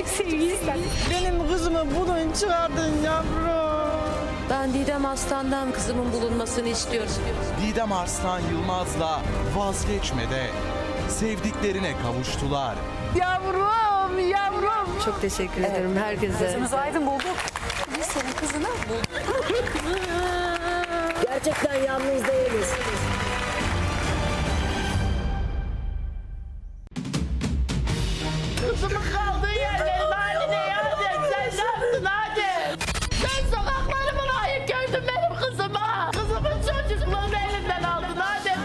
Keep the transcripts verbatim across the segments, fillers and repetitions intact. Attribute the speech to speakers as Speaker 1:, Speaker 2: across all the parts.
Speaker 1: Azıcık sevgi istedim.
Speaker 2: Benim kızımı bulun çıkardın yavrum.
Speaker 1: Ben Didem Aslan'dan kızımın bulunmasını istiyorum.
Speaker 3: Didem Arslan Yılmaz'la Vazgeçme'de sevdiklerine kavuştular.
Speaker 2: Yavrum yavrum.
Speaker 1: Çok teşekkür ederim herkese.
Speaker 4: Gözümüz aydın bulduk. Biz senin kızını bulduk.
Speaker 5: Gerçekten yalnız değiliz.
Speaker 2: Kızımın kaldığı yerlerin haline yardım. Sen ne yaptın hadi? Sen sokaklarımı layık gördün benim kızıma. Kızımın çocukluğunu elinden aldın hadi.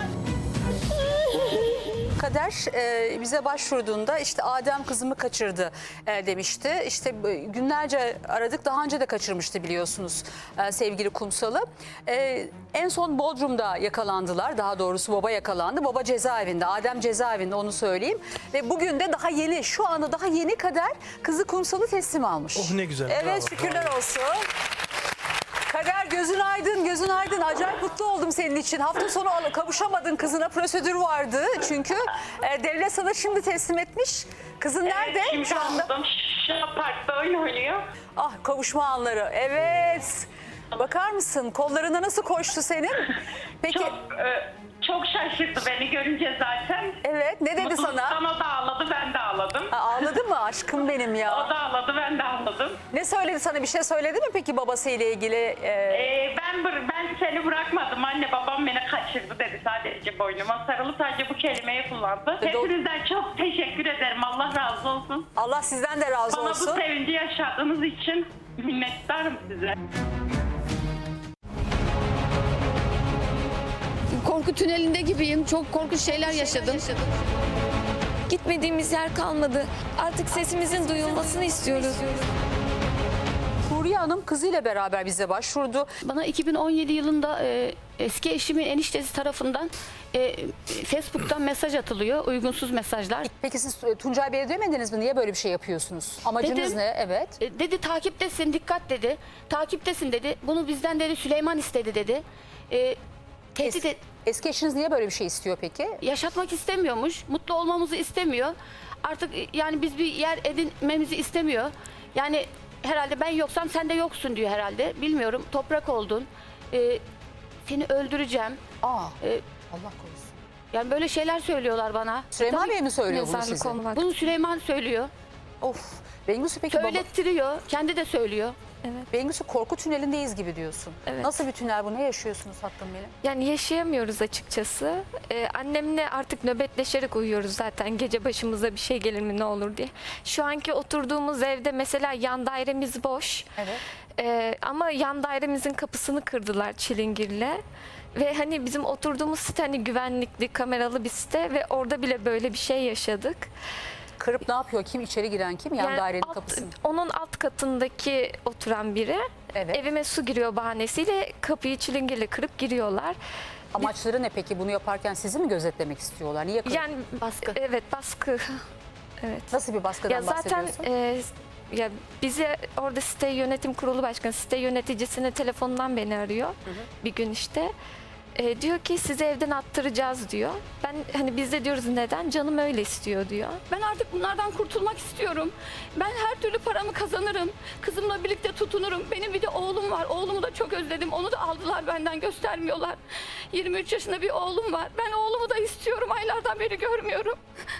Speaker 4: Kader e, bize başvurduğunda işte Adem kızımı kaçırdı e, demişti. İşte e, günlerce aradık, daha önce de kaçırmıştı biliyorsunuz e, sevgili Kumsal'ı. E, en son Bodrum'da yakalandılar, daha doğrusu baba yakalandı. Baba cezaevinde, Adem cezaevinde, onu söyleyeyim. Ve bugün de daha yeni, şu anda daha yeni Kader kızı Kumsal'ı teslim almış.
Speaker 6: Oh ne güzel.
Speaker 4: Evet,
Speaker 6: bravo,
Speaker 4: şükürler
Speaker 6: bravo.
Speaker 4: olsun. Kader gözün aydın, gözün aydın. Acayip mutlu oldum senin için. Hafta sonu al- kavuşamadın kızına, prosedür vardı. Çünkü e, devlet sana şimdi teslim etmiş. Kızın nerede
Speaker 7: Şimdi
Speaker 4: şu anda?
Speaker 7: aldım. Şu an parkta oyun oynuyor.
Speaker 4: Ah, kavuşma anları. Evet. Bakar mısın? Kollarına nasıl koştu senin? Peki.
Speaker 7: Çok e, çok şaşırdı beni görünce zaten.
Speaker 4: Evet. Ne dedi sana?
Speaker 7: Mutluluktan o da ağladı, ben de ağladım.
Speaker 4: Ha, ağladı mı? Aşkım benim
Speaker 7: O
Speaker 4: ya.
Speaker 7: da ağladı, ben de ağladım.
Speaker 4: Ne söyledi sana? Bir şey söyledi mi peki babasıyla ilgili? Ee,
Speaker 7: Ee, ben bır- ben seni bırakmadım. Anne babam beni kaçırdı dedi, sadece boynuma sarılı sadece bu kelimeyi kullandı.
Speaker 4: E, do-
Speaker 7: Hepinizden çok teşekkür ederim. Allah razı olsun.
Speaker 4: Allah sizden de razı
Speaker 7: Bana
Speaker 4: olsun.
Speaker 7: bu sevinci yaşadığınız için minnettarım size.
Speaker 8: Korku tünelinde gibiyim. Çok korkunç şeyler yaşadım.
Speaker 9: Gitmediğimiz yer kalmadı. Artık sesimizin duyulmasını istiyoruz.
Speaker 4: Huriye Hanım kızıyla beraber bize başvurdu.
Speaker 8: Bana iki bin on yedi yılında e, eski eşimin eniştesi tarafından e, Facebook'tan mesaj atılıyor. Uygunsuz mesajlar.
Speaker 4: Peki siz e, Tuncay Bey'e demediniz mi? Niye böyle bir şey yapıyorsunuz? Amacınız
Speaker 8: Dedim.
Speaker 4: ne? Evet.
Speaker 8: E, dedi takiptesin, dikkat dedi. Takiptesin dedi. Bunu bizden dedi Süleyman istedi dedi. E, tehdit
Speaker 4: Es-
Speaker 8: et-
Speaker 4: eski eşiniz niye böyle bir şey istiyor peki?
Speaker 8: yaşatmak istemiyormuş. Mutlu olmamızı istemiyor. Artık e, yani biz bir yer edinmemizi istemiyor. Yani herhalde ben yoksam sen de yoksun diyor herhalde. Bilmiyorum. Toprak oldun. E, seni öldüreceğim.
Speaker 4: Aa,
Speaker 8: E,
Speaker 4: Allah korusun.
Speaker 8: yani böyle şeyler söylüyorlar bana.
Speaker 4: Süleyman
Speaker 8: Tabii-
Speaker 4: Bey mi söylüyor bunu
Speaker 9: Mezarlık
Speaker 4: size?
Speaker 9: olmak.
Speaker 8: Bunu Süleyman söylüyor.
Speaker 4: Of. Bengüsü peki baba,
Speaker 8: Söylettiriyor. Kendi de söylüyor.
Speaker 4: Bengüsü korku tünelindeyiz gibi diyorsun.
Speaker 9: Evet.
Speaker 4: Nasıl bir tünel bu? Ne yaşıyorsunuz tatlım benim?
Speaker 9: Yani yaşayamıyoruz açıkçası. Ee, annemle artık nöbetleşerek uyuyoruz zaten. Gece başımıza bir şey gelir mi ne olur diye. Şu anki oturduğumuz evde mesela yan dairemiz boş.
Speaker 4: Evet.
Speaker 9: Ee, ama yan dairemizin kapısını kırdılar çilingirle. Ve hani bizim oturduğumuz site hani güvenlikli, kameralı bir site ve orada bile böyle bir şey yaşadık.
Speaker 4: Kırıp ne yapıyor? Kim içeri giren kim? Yan
Speaker 9: Yani
Speaker 4: dairenin
Speaker 9: alt-
Speaker 4: kapısını.
Speaker 9: Onun alt katındaki oturan biri
Speaker 4: Evet.
Speaker 9: evime su giriyor bahanesiyle kapıyı çilingirle kırıp giriyorlar.
Speaker 4: Amaçları ne peki? Bunu yaparken sizi mi gözetlemek istiyorlar? Niye kırıp?
Speaker 9: Yani
Speaker 8: Baskı.
Speaker 9: Evet, baskı. Evet.
Speaker 4: Nasıl bir baskıdan
Speaker 9: Ya zaten
Speaker 4: bahsediyorsun?
Speaker 9: e, ya bizi orada site yönetim kurulu başkanı, site yöneticisinin telefonundan beni arıyor bir gün işte. E, diyor ki sizi evden attıracağız diyor. Ben hani biz de diyoruz neden? Canım öyle istiyor diyor.
Speaker 8: Ben artık bunlardan kurtulmak istiyorum. Ben her türlü paramı kazanırım. Kızımla birlikte tutunurum. Benim bir de oğlum var. Oğlumu da çok özledim. Onu da aldılar benden, göstermiyorlar. yirmi üç yaşında bir oğlum var. Ben oğlumu da istiyorum. Aylardan beri görmüyorum.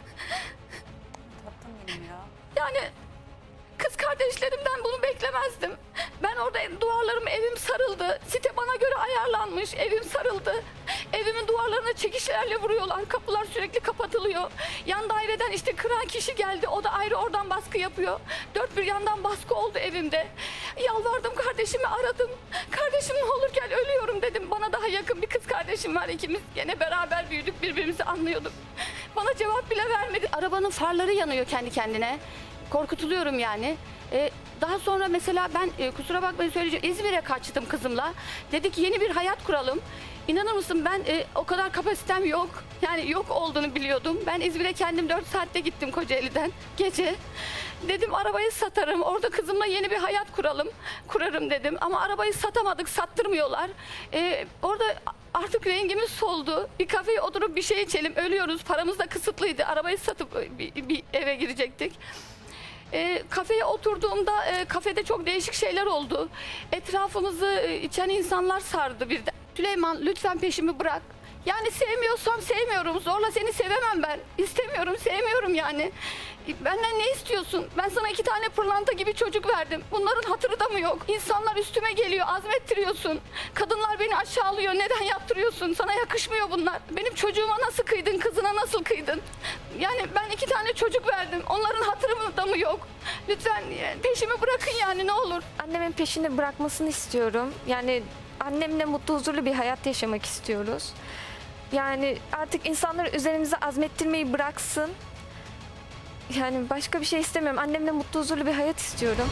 Speaker 4: Tatlım benim ya.
Speaker 8: Yani kız kardeşlerimden bunu beklemezdim. Ben orada duvarlarım, evim sarıldı. Site bana göre ayarlanmış. Evim sarıldı. Evimin duvarlarına çekişlerle vuruyorlar. Kapılar sürekli kapatılıyor. Yan daireden işte kıran kişi geldi. O da ayrı oradan baskı yapıyor. Dört bir yandan baskı oldu evimde. Yalvardım, kardeşimi aradım. Kardeşim ne olur gel, ölüyorum dedim. Bana daha yakın bir kız kardeşim var. İkimiz gene beraber büyüdük, birbirimizi anlıyorduk. Bana cevap bile vermedi. Arabanın farları yanıyor kendi kendine. Korkutuluyorum yani. Ee, daha sonra mesela ben e, kusura bakmayın söyleyeceğim, İzmir'e kaçtım kızımla. Dedik yeni bir hayat kuralım. İnanır mısın ben e, o kadar kapasitem yok. Yani yok olduğunu biliyordum. Ben İzmir'e kendim dört saatte gittim Kocaeli'den gece. Dedim arabayı satarım. Orada kızımla yeni bir hayat kuralım. Kurarım dedim. Ama arabayı satamadık. Sattırmıyorlar. Ee, orada artık rengimiz soldu. Bir kafeye oturup bir şey içelim. Ölüyoruz. Paramız da kısıtlıydı. Arabayı satıp bir, bir eve girecektik. E, kafeye oturduğumda e, kafede çok değişik şeyler oldu. Etrafımızı e, içen insanlar sardı birden. Süleyman lütfen peşimi bırak. Yani sevmiyorsam sevmiyorum. Zorla seni sevemem ben. İstemiyorum, sevmiyorum yani. Benden ne istiyorsun? Ben sana iki tane pırlanta gibi çocuk verdim. Bunların hatırı da mı yok? İnsanlar üstüme geliyor, azmettiriyorsun. Kadınlar beni aşağılıyor. Neden yaptırıyorsun? Sana yakışmıyor bunlar. Benim çocuğuma nasıl kıydın? Kızına nasıl kıydın? Yani ben iki tane çocuk verdim. Onların hatırı da mı yok? Lütfen peşimi bırakın yani ne olur.
Speaker 9: Annemin peşini bırakmasını istiyorum. Yani annemle mutlu huzurlu bir hayat yaşamak istiyoruz. Yani artık insanları üzerimize azmettirmeyi bıraksın. Yani başka bir şey istemiyorum. Annemle mutlu huzurlu bir hayat istiyorum.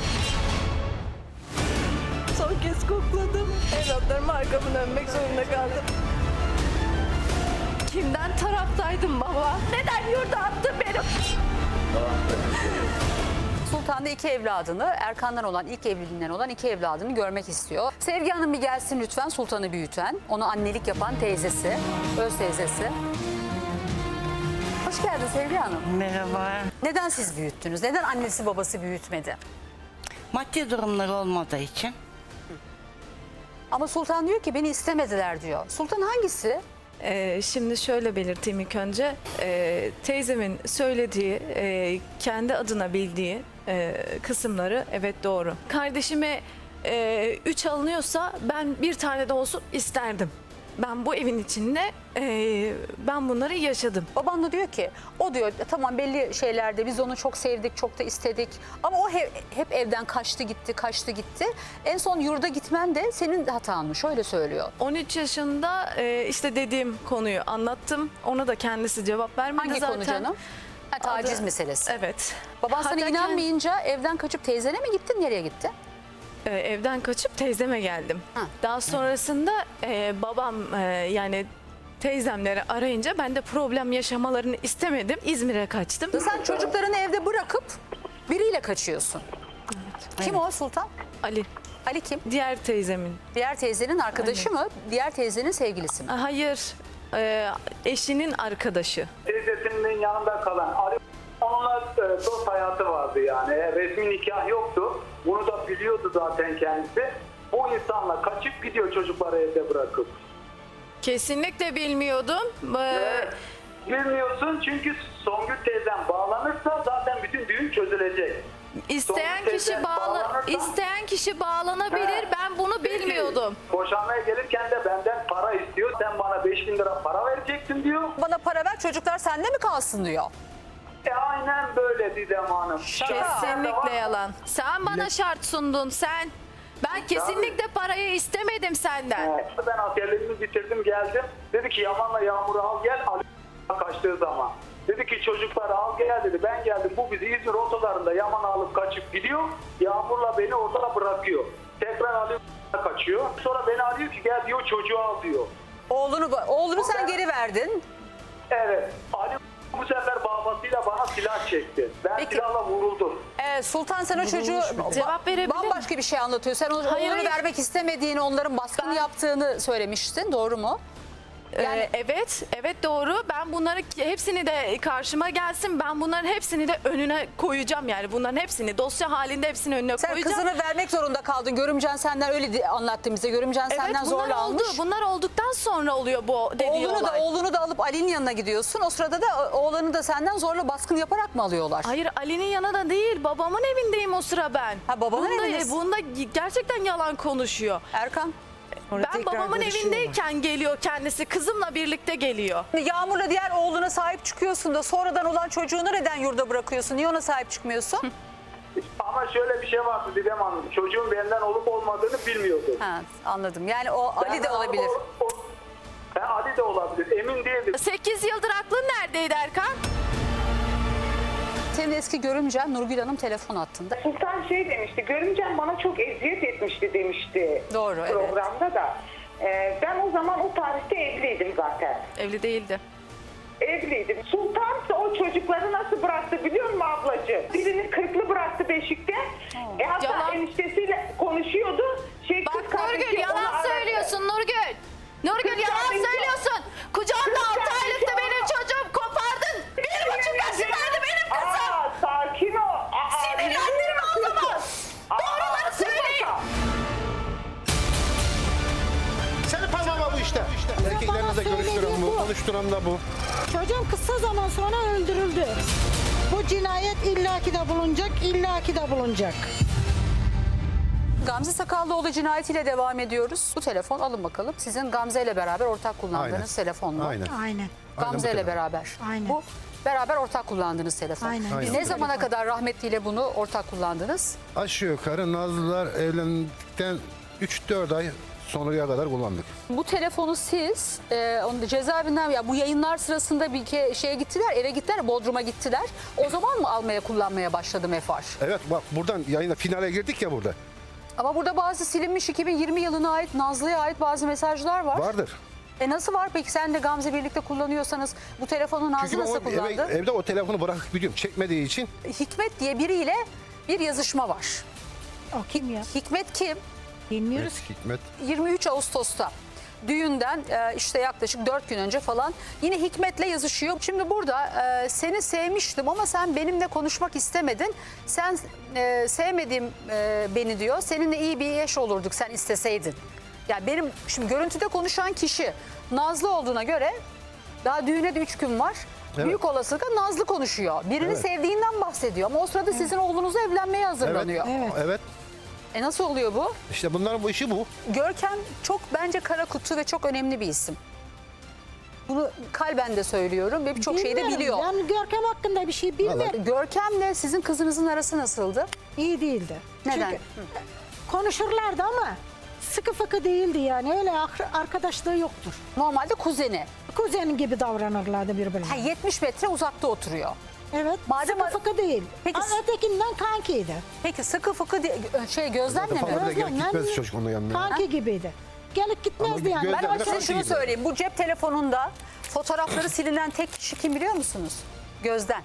Speaker 5: Son kez kokladım. Evlatlarıma arkamı dönmek zorunda kaldım. Kimden taraftaydım baba? Neden yurda attın beni?
Speaker 4: Sultan da iki evladını, Erkan'dan olan ilk evliliğinden olan iki evladını görmek istiyor. Sevgi Hanım bir gelsin lütfen, Sultan'ı büyüten, onu annelik yapan teyzesi, öz teyzesi. Hoş geldin Sevgi Hanım.
Speaker 6: Merhaba.
Speaker 4: Neden siz büyüttünüz? Neden annesi babası büyütmedi?
Speaker 6: Maddi durumları olmadığı için.
Speaker 4: Ama Sultan diyor ki beni istemediler diyor. Sultan hangisi?
Speaker 5: Ee, şimdi şöyle belirteyim ilk önce. Ee, teyzemin söylediği, e, kendi adına bildiği e, kısımları evet doğru. Kardeşime e, üç alınıyorsa ben bir tane de olsun isterdim. Ben bu evin içinde e, ben bunları yaşadım.
Speaker 4: Baban da diyor ki o diyor tamam belli şeylerde biz onu çok sevdik, çok da istedik. Ama o hep, hep evden kaçtı gitti, kaçtı gitti. En son yurda gitmen de senin hatanmış, öyle söylüyor.
Speaker 5: on üç yaşında e, işte dediğim konuyu anlattım. Ona da kendisi cevap vermedi
Speaker 4: Hangi
Speaker 5: zaten.
Speaker 4: konu canım? Ha, taciz
Speaker 5: Adı-
Speaker 4: meselesi.
Speaker 5: Evet.
Speaker 4: Baban sana
Speaker 5: Hatta
Speaker 4: inanmayınca evden kaçıp teyzene mi gittin, nereye gitti?
Speaker 5: Ee, evden kaçıp teyzeme geldim.
Speaker 4: Ha.
Speaker 5: Daha sonrasında e, babam e, yani teyzemleri arayınca ben de problem yaşamalarını istemedim. İzmir'e kaçtım.
Speaker 4: Sen çocuklarını evde bırakıp biriyle kaçıyorsun. Kim o Sultan?
Speaker 5: Ali,
Speaker 4: Ali kim?
Speaker 5: diğer teyzemin.
Speaker 4: Diğer teyzenin arkadaşı mı? Diğer teyzenin sevgilisi mi?
Speaker 5: Hayır, e, eşinin arkadaşı.
Speaker 10: Teyzesinin yanında kalan Ali, onunla e, dost hayatı vardı yani. E, resmi nikah yoktu. Bunu da biliyordu zaten kendisi. Bu insanla kaçıp gidiyor çocukları evde bırakıp.
Speaker 5: Kesinlikle bilmiyordum. Ee,
Speaker 10: Evet. Bilmiyorsun çünkü Songül teyzen bağlanırsa zaten bütün düğün çözülecek.
Speaker 5: isteyen
Speaker 10: Songül
Speaker 5: kişi
Speaker 10: teyzen
Speaker 5: bağla
Speaker 10: bağlanırsa-
Speaker 5: isteyen kişi bağlanabilir.
Speaker 10: He.
Speaker 5: Ben bunu
Speaker 10: Peki,
Speaker 5: bilmiyordum.
Speaker 10: boşanmaya gelirken de benden para istiyor. Sen bana beş bin lira para vereceksin diyor.
Speaker 4: Bana para ver, çocuklar sende mi kalsın diyor.
Speaker 10: E aynen böyle Didem Hanım.
Speaker 5: Kesinlikle yalan. Sen bana şart sundun sen. Ben kesinlikle parayı istemedim senden.
Speaker 10: Evet. Ben askerliğimi bitirdim geldim. Dedi ki Yaman'la Yağmur'u al gel. Ali kaçtığı zaman. Dedi ki çocukları al gel dedi. Ben geldim. Bu bizi İzmir otolarında Yaman'ı alıp kaçıp gidiyor. Yağmur'la beni orada bırakıyor. Tekrar Ali kaçıyor. Sonra beni arıyor ki gel diyor çocuğu al diyor.
Speaker 4: Oğlunu oğlunu sen geri verdin.
Speaker 10: Evet. Ali bu sefer babasıyla bana silah çekti. Ben
Speaker 4: Peki.
Speaker 10: silahla vuruldum.
Speaker 4: Ee, Sultan sen o çocuğu
Speaker 5: Cevap verebilir miyim?
Speaker 4: bambaşka bir şey anlatıyor. Sen onu,
Speaker 5: Hayır,
Speaker 4: oğlunu
Speaker 5: hayır.
Speaker 4: vermek istemediğini, onların baskın
Speaker 5: Ben-
Speaker 4: yaptığını söylemiştin. Doğru mu? Yani-
Speaker 5: Ee, evet, evet doğru. Ben bunları hepsini de karşıma gelsin. Ben bunların hepsini de önüne koyacağım yani. Bunların hepsini dosya halinde hepsini önüne
Speaker 4: Sen
Speaker 5: koyacağım.
Speaker 4: kızını vermek zorunda kaldın. Görümcen senden öyle di- anlattı bize. Görümcen
Speaker 5: Evet,
Speaker 4: senden
Speaker 5: bunlar
Speaker 4: zorla
Speaker 5: oldu.
Speaker 4: almış.
Speaker 5: Bunlar olduktan sonra oluyor bu dediği
Speaker 4: Oğlunu da
Speaker 5: olay.
Speaker 4: oğlunu da alıp Ali'nin yanına gidiyorsun. O sırada da oğlanı da senden zorla baskın yaparak mı alıyorlar?
Speaker 5: Hayır, Ali'nin yanında değil. Babamın evindeyim o sıra ben.
Speaker 4: Ha, babanın
Speaker 5: bunda,
Speaker 4: evindesin.
Speaker 5: Bunda gerçekten yalan konuşuyor.
Speaker 4: Erkan.
Speaker 5: Ben babamın evindeyken geliyor kendisi. Kızımla birlikte geliyor.
Speaker 4: Yağmur'la diğer oğluna sahip çıkıyorsun da sonradan olan çocuğunu neden yurda bırakıyorsun? Niye ona sahip çıkmıyorsun?
Speaker 10: Ama şöyle bir şey vardı Didem Hanım. Çocuğun benden olup olmadığını bilmiyordu.
Speaker 4: Ha, anladım. Yani o Ali de olabilir.
Speaker 10: O, o, Ha, Ali de olabilir. Emin değildim.
Speaker 5: sekiz yıldır aklın neredeydi Erkan?
Speaker 4: Senin eski görümcen Nurgül Hanım telefon hattında.
Speaker 11: Sultan şey demişti, görümcem bana çok eziyet etmişti demişti
Speaker 4: Doğru, evet.
Speaker 11: programda da. Ee, ben o zaman o tarihte evliydim zaten.
Speaker 5: Evli değildi.
Speaker 11: Evliydim. Sultan ise o çocukları nasıl bıraktı biliyor musun ablacığım? Birini kırklı bıraktı Beşik'te. E, hatta
Speaker 5: Yalan.
Speaker 11: eniştesiyle konuşuyordu. Şey,
Speaker 9: Bak
Speaker 11: kız kardeşi
Speaker 9: Nurgül
Speaker 11: onu
Speaker 9: yalan
Speaker 11: aradı.
Speaker 9: söylüyorsun Nurgül. Nurgül
Speaker 11: Kız
Speaker 9: yalan
Speaker 11: kardeşi-
Speaker 9: söylüyorsun. Kucağımda
Speaker 11: Kız
Speaker 9: altı
Speaker 11: kardeşi
Speaker 9: aylıktı
Speaker 11: onu-
Speaker 9: benim çocuğum kopardın. Bir buçuk yaşındaydı benim kızım.
Speaker 11: Aa, sakin ol. Aa,
Speaker 9: Sinirimi
Speaker 12: çalıştıran da bu.
Speaker 13: Çocuğum kısa zaman sonra öldürüldü. Bu cinayet illaki de bulunacak, illaki de bulunacak.
Speaker 4: Gamze Sakallıoğlu cinayetiyle devam ediyoruz. Bu telefon alın bakalım. Sizin Gamze ile beraber ortak kullandığınız
Speaker 12: Aynen.
Speaker 4: telefon mu?
Speaker 12: Aynen.
Speaker 13: Aynen.
Speaker 4: Gamze ile
Speaker 12: telefon.
Speaker 4: beraber.
Speaker 13: Aynen.
Speaker 4: Bu beraber ortak kullandığınız telefon.
Speaker 13: Aynen.
Speaker 12: Aynen.
Speaker 4: Ne zamana kadar rahmetliyle bunu ortak kullandınız?
Speaker 12: Aşağı yukarı Nazlılar evlendikten üç dört ay sonraya kadar kullandık.
Speaker 4: Bu telefonu siz e, onu da cezaevinden ya bu yayınlar sırasında bir ke, şeye gittiler, eve gittiler, Bodrum'a gittiler. O zaman mı almaya kullanmaya başladı Mefar?
Speaker 12: Evet bak buradan yayına finale girdik ya burada.
Speaker 4: Ama burada bazı silinmiş iki bin yirmi yılına ait Nazlı'ya ait bazı mesajlar var.
Speaker 12: Vardır.
Speaker 4: E nasıl var peki sen de Gamze birlikte kullanıyorsanız bu telefonu Nazlı
Speaker 12: Çünkü ben
Speaker 4: nasıl
Speaker 12: o eve-
Speaker 4: kullandı?
Speaker 12: evde o telefonu bırakıp gidiyorum. Çekmediği için.
Speaker 4: Hikmet diye biriyle bir yazışma var.
Speaker 13: O kim ya?
Speaker 4: Hikmet kim?
Speaker 13: Bilmiyoruz.
Speaker 12: Evet, Hikmet.
Speaker 4: yirmi üç Ağustos'ta düğünden e, işte yaklaşık dört gün önce falan yine Hikmet'le yazışıyor. Şimdi burada e, seni sevmiştim ama sen benimle konuşmak istemedin. Sen e, sevmediğim e, beni diyor. Seninle iyi bir eş olurduk sen isteseydin. Yani benim şimdi görüntüde konuşan kişi Nazlı olduğuna göre daha düğüne de üç gün var.
Speaker 12: Evet.
Speaker 4: Büyük olasılıkla Nazlı konuşuyor. Birini
Speaker 12: Evet.
Speaker 4: sevdiğinden bahsediyor ama o sırada sizin oğlunuzla evlenmeye hazırlanıyor.
Speaker 12: Evet. Evet.
Speaker 4: E nasıl oluyor bu?
Speaker 12: İşte bunların bu işi bu.
Speaker 4: Görkem çok bence kara kutu ve çok önemli bir isim. Bunu kalben de söylüyorum ve birçok şeyi de
Speaker 13: Bilmiyorum.
Speaker 4: biliyor.
Speaker 13: Yani Görkem hakkında bir şey bilmiyorum.
Speaker 4: Görkem'le sizin kızınızın arası nasıldı?
Speaker 13: İyi değildi.
Speaker 4: Neden?
Speaker 13: Çünkü konuşurlardı ama sıkı fıkı değildi yani. Öyle ar- arkadaşlığı yoktur.
Speaker 4: Normalde kuzeni.
Speaker 13: Kuzen gibi davranırlardı birbirine.
Speaker 4: Ha, yetmiş metre uzakta oturuyor.
Speaker 13: Evet.
Speaker 4: Madem-
Speaker 13: sıkı fıkı değil.
Speaker 4: Peki-
Speaker 13: Ama ötekinden kankiydi.
Speaker 4: Peki sıkı fıkı di- şey Gözlem'le mi?
Speaker 12: Fazla bile gelip
Speaker 13: Gözlemle
Speaker 12: gitmez çocuk onun yanına.
Speaker 13: Kanki gibiydi. Gelip gitmezdi
Speaker 12: Ama
Speaker 13: yani.
Speaker 12: göz-
Speaker 4: Ben ama
Speaker 12: Gözlem'le
Speaker 4: size
Speaker 12: kanki
Speaker 4: şunu
Speaker 12: gibi.
Speaker 4: söyleyeyim. Bu cep telefonunda fotoğrafları silinen tek kişi kim biliyor musunuz? Gözden.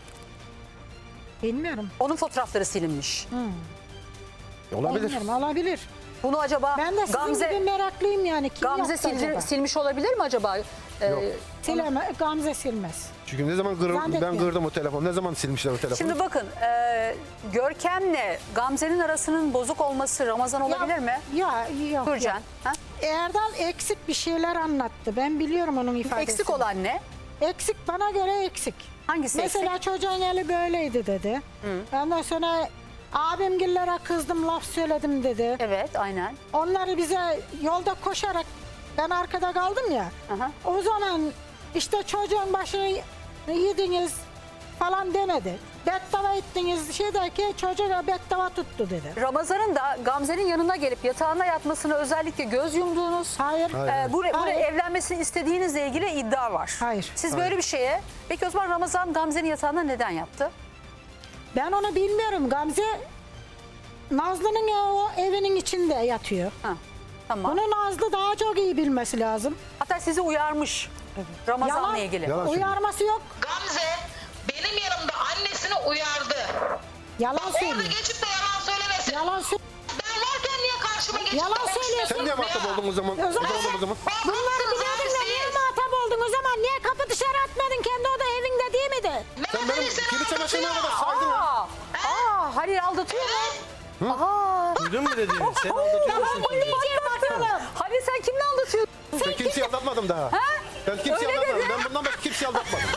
Speaker 13: Bilmiyorum.
Speaker 4: Onun fotoğrafları silinmiş.
Speaker 12: Olabilir.
Speaker 13: Bilmiyorum. Olabilir.
Speaker 4: Bunu acaba
Speaker 13: Ben de sizin
Speaker 4: Gamze
Speaker 13: gibi meraklıyım yani. Kim
Speaker 4: Gamze
Speaker 13: yaptı
Speaker 4: sildi-
Speaker 13: acaba?
Speaker 4: silmiş olabilir mi acaba? Ee,
Speaker 12: Yok.
Speaker 13: Sileme, Gamze silmez.
Speaker 12: Çünkü ne zaman kırım, ben
Speaker 13: Zannetmiyorum.
Speaker 12: kırdım o telefonu. Ne zaman silmişler o telefonu?
Speaker 4: Şimdi bakın e, Görkem'le Gamze'nin arasının bozuk olması Ramazan olabilir
Speaker 13: Ya-
Speaker 4: mi?
Speaker 13: Ya yok.
Speaker 4: Gürcan.
Speaker 13: yok.
Speaker 4: Ha?
Speaker 13: Erdal eksik bir şeyler anlattı. Ben biliyorum onun ifadesini.
Speaker 4: Eksik olan ne?
Speaker 13: Eksik bana göre eksik.
Speaker 4: Hangisi
Speaker 13: Mesela
Speaker 4: eksik?
Speaker 13: çocuğun eli böyleydi dedi. Ondan sonra abimgillere kızdım laf söyledim dedi.
Speaker 4: Evet aynen.
Speaker 13: Onları bize yolda koşarak ben arkada kaldım ya.
Speaker 4: Aha.
Speaker 13: O zaman işte çocuğun başını yediniz falan demedi. Beddava ettiniz şey derken çocuğa beddava tuttu dedi.
Speaker 4: Ramazan'ın da Gamze'nin yanına gelip yatağına yatmasını özellikle göz yumduğunuz,
Speaker 13: Hayır.
Speaker 4: e, bu, bu
Speaker 13: Hayır.
Speaker 4: evlenmesini istediğinizle ilgili iddia var.
Speaker 13: Hayır.
Speaker 4: Siz böyle bir şeye, peki o zaman Ramazan Gamze'nin yatağına neden yattı?
Speaker 13: Ben onu bilmiyorum. Gamze Nazlı'nın o evinin içinde yatıyor.
Speaker 4: Ha, tamam.
Speaker 13: Bunu Nazlı daha çok iyi bilmesi lazım.
Speaker 4: Hatta sizi uyarmış Ramazan'la
Speaker 13: Yalan.
Speaker 4: ilgili.
Speaker 12: Yalan söylüyor.
Speaker 13: Uyarması yok.
Speaker 2: Gamze benim yanımda annesini uyardı.
Speaker 13: Yalan
Speaker 2: Orada
Speaker 13: söylüyor.
Speaker 2: geçip de yalan söylemesin.
Speaker 13: Yalan söylüyor.
Speaker 2: Ben varken niye karşıma geçip
Speaker 13: Yalan
Speaker 2: de konuşmuyorsun
Speaker 13: söylüyorsun.
Speaker 12: Sen niye
Speaker 2: ya?
Speaker 12: muhatap oldun o zaman?
Speaker 13: O zaman-
Speaker 12: O zaman, o zaman.
Speaker 13: Bunları biliyordun da niye muhatap oldun o zaman? Niye kapı dışarı atmadın? Kendi oda evinde değil miydi?
Speaker 12: Sen benim kilise başına kadar saydın ya.
Speaker 4: Aa, aa, Halil aldatıyor mu? Aa.
Speaker 14: Duydun mu dediğini? Sen aldatıyorsun
Speaker 13: Bu diyeceğim bakalım.
Speaker 4: Halil sen kimle aldatıyorsun?
Speaker 12: Ben kimseyi aldatmadım daha. Ben kimseyi
Speaker 4: Öyle
Speaker 12: aldatmadım.
Speaker 4: dedi.
Speaker 12: Ben bundan başka kimseyi aldatmadım.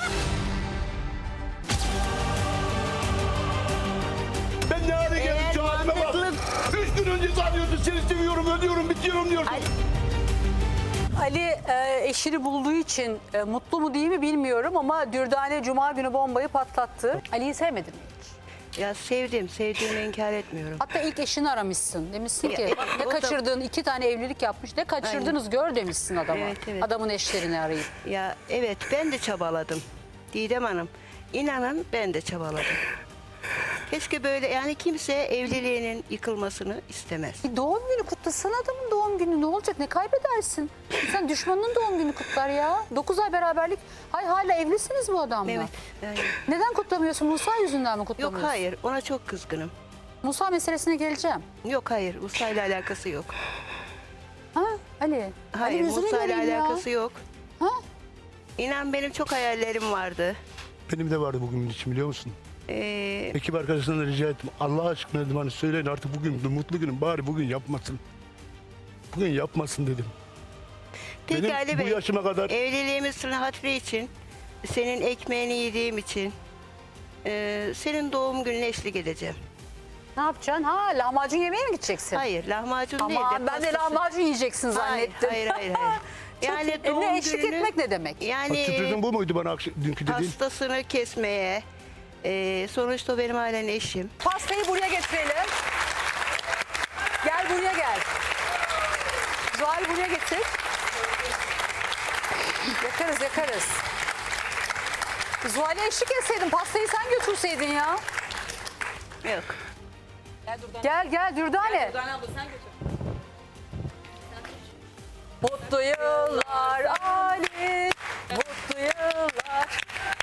Speaker 14: Ben ne hale geldim şu halime bak. Üç gün önce sanıyordun seni seviyorum, ölüyorum, bitiyorum diyordun.
Speaker 4: Ali e, eşini bulduğu için e, mutlu mu değil mi bilmiyorum ama Dürdane Cuma günü bombayı patlattı. Ali'yi sevmedin mi hiç?
Speaker 6: Ya sevdim, sevdiğimi inkar etmiyorum.
Speaker 4: Hatta ilk eşini aramışsın. Demişsin ki
Speaker 6: Ya,
Speaker 4: ne
Speaker 6: o da-
Speaker 4: kaçırdığın iki tane evlilik yapmış. Ne kaçırdınız gör demişsin adama.
Speaker 6: Evet, evet.
Speaker 4: Adamın eşlerini arayıp.
Speaker 6: Ya evet ben de çabaladım. Didem Hanım, inanın ben de çabaladım. Keşke böyle yani kimse evliliğinin yıkılmasını istemez.
Speaker 4: Bir doğum günü kutlasana adamın doğum günü ne olacak ne kaybedersin? Sen düşmanının doğum günü kutlar ya. dokuz ay beraberlik. Hay hala evlisiniz bu adamla.
Speaker 6: Evet. Yani,
Speaker 4: Neden kutlamıyorsun? Musa yüzünden mi
Speaker 6: yok
Speaker 4: kutlamıyorsun?
Speaker 6: hayır ona çok kızgınım.
Speaker 4: Musa meselesine geleceğim.
Speaker 6: Yok hayır Musa ile alakası yok.
Speaker 4: Ha Ali?
Speaker 6: Hayır
Speaker 4: Ali yüzüne
Speaker 6: Musa ile
Speaker 4: geleyim ya.
Speaker 6: alakası yok.
Speaker 4: Ha?
Speaker 6: İnan benim çok hayallerim vardı.
Speaker 14: Benim de vardı bugün için biliyor musun?
Speaker 6: Ee,
Speaker 14: Ekip arkadaşlarına rica ettim. Allah aşkına dedim hani söyleyin artık bugün mutlu günüm bari bugün yapmasın. Bugün yapmasın dedim.
Speaker 6: Peki
Speaker 14: Benim
Speaker 6: Ali
Speaker 14: bu
Speaker 6: Bey,
Speaker 14: yaşıma kadar
Speaker 6: evliliğimizin hatırı için, senin ekmeğini yediğim için, e, senin doğum gününe eşlik edeceğim.
Speaker 4: Ne yapacaksın? Ha, lahmacun yemeye mi gideceksin?
Speaker 6: Hayır, lahmacun değil de
Speaker 4: Aman ben de
Speaker 6: pastası-
Speaker 4: lahmacun yiyeceksin
Speaker 6: Hayır,
Speaker 4: zannettim.
Speaker 6: hayır, hayır, hayır. Yani
Speaker 4: Çok-
Speaker 6: doğum
Speaker 4: ne eşlik
Speaker 6: gününü-
Speaker 4: etmek ne demek?
Speaker 14: Ha,
Speaker 6: Yani
Speaker 14: sürprizin bu muydu bana akş- dünkü dediğin?
Speaker 6: pastasını kesmeye, e, sonuçta o benim halen eşim.
Speaker 4: Pastayı buraya getirelim. Gel buraya gel. Zuhal buraya getir. Yakarız yakarız. Zuhal'e eşlik etseydin, pastayı sen götürseydin ya.
Speaker 6: Yok.
Speaker 4: Gel gel Dürdane. Mutlu yıllar Ali, mutlu yıllar.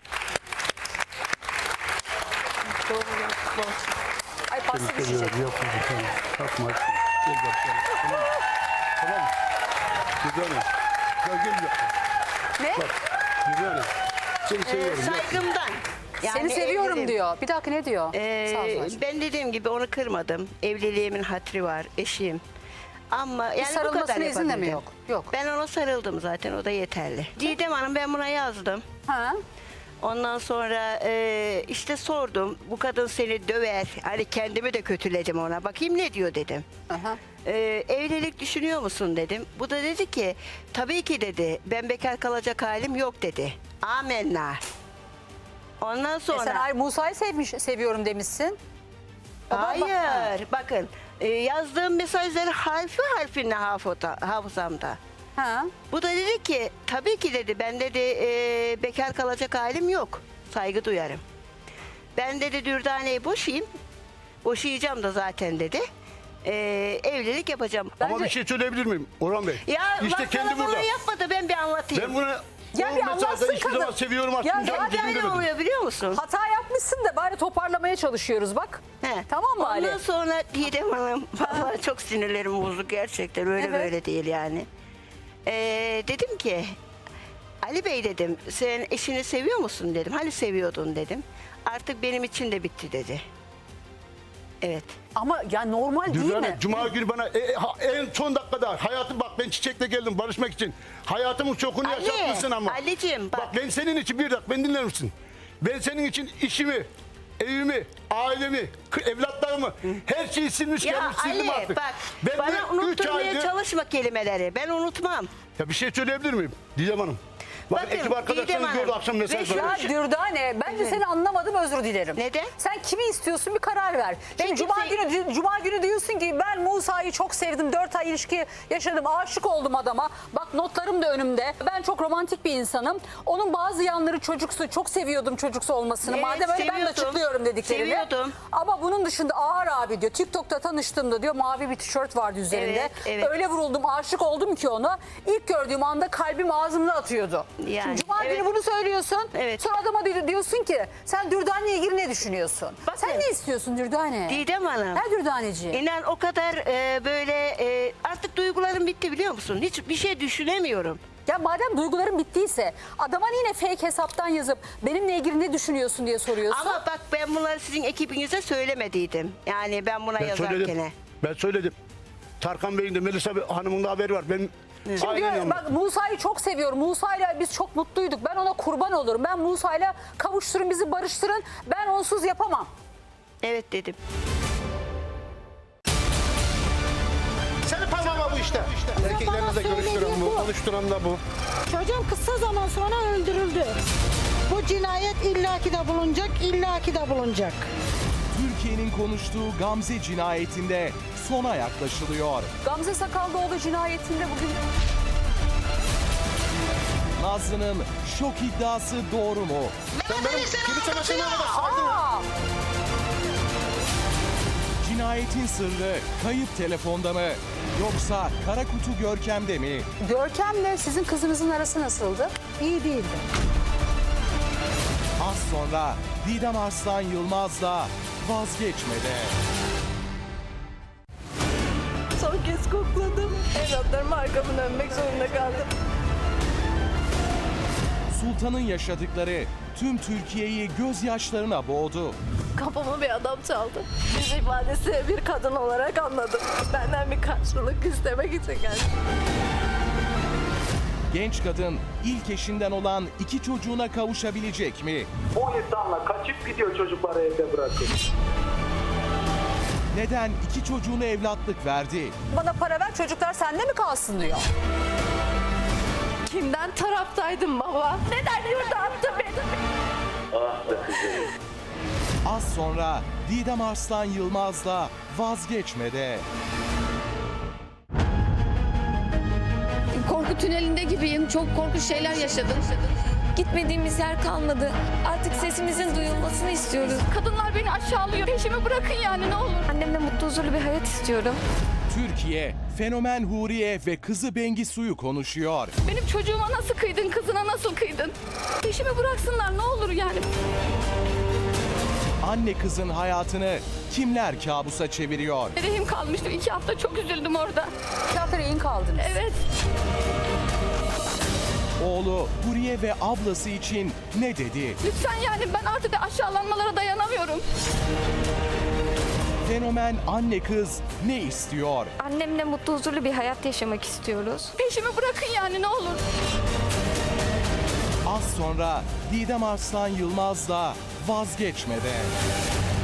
Speaker 4: Ay pasta düşecek.
Speaker 14: Kalkma. Gel bak. Tamam. Tamam. Güzel. Gel gel yap.
Speaker 4: Ne?
Speaker 14: Güzel. Seni
Speaker 6: Ee,
Speaker 14: seviyorum. yap.
Speaker 6: saygımdan.
Speaker 4: Seni seviyorum
Speaker 6: evliliğim.
Speaker 4: diyor. Bir dakika ne diyor?
Speaker 6: Ee,
Speaker 4: Sağ ol Zuhal'cığım.
Speaker 6: ben dediğim gibi onu kırmadım. Evliliğimin hatırı var, eşim. Ama
Speaker 4: Bir
Speaker 6: yani bu kadar
Speaker 4: sarılmasına izin de mi
Speaker 6: yapabildim.
Speaker 4: yok? Yok.
Speaker 6: Ben ona sarıldım zaten, o da yeterli. Didem Hanım, ben buna yazdım.
Speaker 4: Ha?
Speaker 6: Ondan sonra e, işte sordum, bu kadın seni döver, hani kendimi de kötüledim ona, bakayım ne diyor dedim.
Speaker 4: Aha.
Speaker 6: E, evlilik düşünüyor musun dedim. Bu da dedi ki, tabii ki dedi, ben bekar kalacak halim yok dedi. Amenna. Ondan
Speaker 4: E
Speaker 6: sonra...
Speaker 4: sen ay Musa'yı sevmiş, seviyorum demişsin. Baba, bak-
Speaker 6: Hayır, bakın e, yazdığım mesajları harfi harfine hafıza, hafızamda.
Speaker 4: Ha?
Speaker 6: Bu da dedi ki, tabii ki dedi, ben dedi e, bekar kalacak halim yok. Saygı duyarım. Ben dedi Dürdane'yi boşayayım. Boşayacağım da zaten dedi. E, evlilik yapacağım.
Speaker 14: Ama bir şey söyleyebilir miyim Orhan Bey?
Speaker 6: Ya
Speaker 14: işte
Speaker 6: bak
Speaker 14: kendi
Speaker 6: bana bunu
Speaker 14: burada.
Speaker 6: yapmadı, ben bir anlatayım.
Speaker 14: Ben bunu
Speaker 4: Ya
Speaker 14: o
Speaker 4: bir
Speaker 14: mesajda
Speaker 4: anlatsın
Speaker 14: hiçbir
Speaker 4: kadın.
Speaker 14: zaman seviyorum
Speaker 4: Ya
Speaker 14: atmayacağım
Speaker 4: zaten
Speaker 14: dedim
Speaker 6: Ne
Speaker 14: demedim.
Speaker 6: oluyor biliyor musun?
Speaker 4: Hata yapmışsın da bari toparlamaya çalışıyoruz bak.
Speaker 6: He.
Speaker 4: Tamam mı Ali?
Speaker 6: Ondan sonra Didem Hanım, vallahi çok sinirlerim bozuk gerçekten, öyle
Speaker 4: Evet.
Speaker 6: böyle değil yani. Ee, dedim ki, Ali Bey dedim, sen eşini seviyor musun dedim. Hani seviyordun dedim. Artık benim için de bitti dedi. Evet.
Speaker 4: Ama ya normal değil
Speaker 14: Düzenli,
Speaker 4: mi?
Speaker 14: Cuma günü bana e, e, ha- en son dakikada hayatım, bak ben çiçekle geldim barışmak için. Hayatımın çokunu
Speaker 6: Ali,
Speaker 14: yaşatmışsın ama.
Speaker 6: Ali'cim bak.
Speaker 14: Bak ben senin için bir dakika, beni dinler misin? Ben senin için işimi, evimi, ailemi, kı- evlatlarımı, her şeyi silmiş
Speaker 6: Ya
Speaker 14: gelmiş sildim
Speaker 6: Ali
Speaker 14: artık.
Speaker 6: bak,
Speaker 14: Ben
Speaker 6: bana
Speaker 14: bu üç
Speaker 6: unutturmaya
Speaker 14: aydır-
Speaker 6: çalışma kelimeleri. Ben unutmam.
Speaker 14: Ya bir şey söyleyebilir miyim Didem Hanım? Bakın,
Speaker 6: Bakın,
Speaker 14: ekip arkadaşlarınız
Speaker 6: Didem
Speaker 14: gördü
Speaker 6: Hanım,
Speaker 14: akşam mesaj
Speaker 6: ve şu
Speaker 14: var.
Speaker 4: Ya Dürdane, bence seni anlamadım, özür dilerim.
Speaker 6: Neden?
Speaker 4: Sen kimi istiyorsun, bir karar ver. Şimdi
Speaker 6: Çünkü
Speaker 4: Cuma
Speaker 6: kimse-
Speaker 4: günü Cuma günü diyorsun ki ben Musa'yı çok sevdim, dört ay ilişki yaşadım, aşık oldum adama. Bak notlarım da önümde. Ben çok romantik bir insanım. Onun bazı yanları çocuksu, çok seviyordum çocuksu olmasını.
Speaker 6: Evet,
Speaker 4: Madem öyle ben de
Speaker 6: seviyordum.
Speaker 4: açıklıyorum dediklerimi.
Speaker 6: Seviyordum.
Speaker 4: Ama bunun dışında ağır abi diyor. TikTok'ta tanıştığımda diyor mavi bir tişört vardı üzerinde.
Speaker 6: Evet, evet.
Speaker 4: Öyle vuruldum, aşık oldum ki ona. İlk gördüğüm anda kalbim ağzımda atıyordu.
Speaker 6: Yani,
Speaker 4: Şimdi Cuma
Speaker 6: evet.
Speaker 4: günü bunu söylüyorsun.
Speaker 6: Evet.
Speaker 4: Sonra adama di- diyorsun ki sen Dürdane'ye ilgili ne düşünüyorsun?
Speaker 6: Bakın.
Speaker 4: Sen ne istiyorsun Dürdane?
Speaker 6: Didem Hanım.
Speaker 4: Ha Dürdaneciğim?
Speaker 6: İnan o kadar e, böyle e, artık duygularım bitti biliyor musun? Hiç bir şey düşünemiyorum.
Speaker 4: Ya madem duyguların bittiyse adama yine fake hesaptan yazıp benimle ilgili ne düşünüyorsun diye soruyorsun.
Speaker 6: Ama bak ben bunları sizin ekibinize söylemediydim. Yani ben buna
Speaker 14: Ben
Speaker 6: yazarken.
Speaker 14: söyledim. Ben söyledim. Tarkan Bey'in de Melisa Hanım'ın da haberi var. Ben
Speaker 4: Şimdi
Speaker 14: aynen
Speaker 4: diyor,
Speaker 14: yanımda.
Speaker 4: bak Musa'yı çok seviyorum. Musa'yla biz çok mutluyduk. Ben ona kurban olurum. Ben Musa'yla kavuşturun bizi barıştırın. Ben onsuz yapamam.
Speaker 6: Evet dedim.
Speaker 14: Senin parmağın bu işte. Erkeklerimizle
Speaker 13: bana
Speaker 14: görüştüren
Speaker 13: söylediğin
Speaker 14: bu,
Speaker 13: bu.
Speaker 14: konuşturan da bu.
Speaker 13: Çocuğum kısa zaman sonra öldürüldü. Bu cinayet illaki de bulunacak, illaki de bulunacak.
Speaker 3: Türkiye'nin konuştuğu Gamze cinayetinde sona yaklaşılıyor.
Speaker 4: Gamze Sakallıoğlu cinayetinde bugün...
Speaker 3: Nazlı'nın şok iddiası doğru mu?
Speaker 14: Sen benim kirli çamaşırına kadar sardın.
Speaker 4: Aa!
Speaker 3: Cinayetin sırrı kayıp telefonda mı? Yoksa kara kutu Görkem'de mi?
Speaker 4: Görkem'le sizin kızınızın arası nasıldı?
Speaker 13: İyi değildi.
Speaker 3: Az sonra Didem Arslan Yılmaz'la Vazgeçmede.
Speaker 5: Son kez kokladım. Evlatlarıma arkamı dönmek zorunda kaldım.
Speaker 3: Sultan'ın yaşadıkları tüm Türkiye'yi gözyaşlarına boğdu.
Speaker 5: Kapımı bir adam çaldı. Yüz ifadesi bir kadın olarak anladım. Benden bir karşılık istemek için geldi.
Speaker 3: Genç kadın ilk eşinden olan iki çocuğuna kavuşabilecek mi?
Speaker 10: Bu insanla kaçıp gidiyor, çocukları evde bırakıp.
Speaker 3: Neden iki çocuğunu evlatlık verdi?
Speaker 4: Bana para ver, çocuklar sende mi kalsın diyor.
Speaker 2: Kimden taraftaydım baba? Neden yurda attı beni?
Speaker 10: Ah be kızım.
Speaker 3: Az sonra Didem Arslan Yılmaz'la Vazgeçmede.
Speaker 1: Korku tünelinde gibiyim. Çok korkunç şeyler yaşadım.
Speaker 9: Gitmediğimiz yer kalmadı. Artık sesimizin duyulmasını istiyoruz.
Speaker 8: Kadınlar beni aşağılıyor. Peşimi bırakın yani ne olur.
Speaker 9: Annemle mutlu huzurlu bir hayat istiyorum.
Speaker 3: Türkiye, fenomen Huriye ve kızı Bengisu'yu konuşuyor.
Speaker 8: Benim çocuğuma nasıl kıydın, kızına nasıl kıydın? Peşimi bıraksınlar ne olur yani.
Speaker 3: Anne kızın hayatını kimler kabusa çeviriyor?
Speaker 8: Rehim kalmıştım. iki hafta çok üzüldüm orada.
Speaker 4: İki hafta rehin kaldınız.
Speaker 8: Evet.
Speaker 3: Oğlu Huriye ve ablası için ne dedi?
Speaker 8: Lütfen yani ben artık aşağılanmalara dayanamıyorum.
Speaker 3: Fenomen anne kız ne istiyor?
Speaker 9: Annemle mutlu huzurlu bir hayat yaşamak istiyoruz.
Speaker 8: Peşimi bırakın yani ne olur.
Speaker 3: Az sonra Didem Arslan Yılmaz'la Vazgeçmede.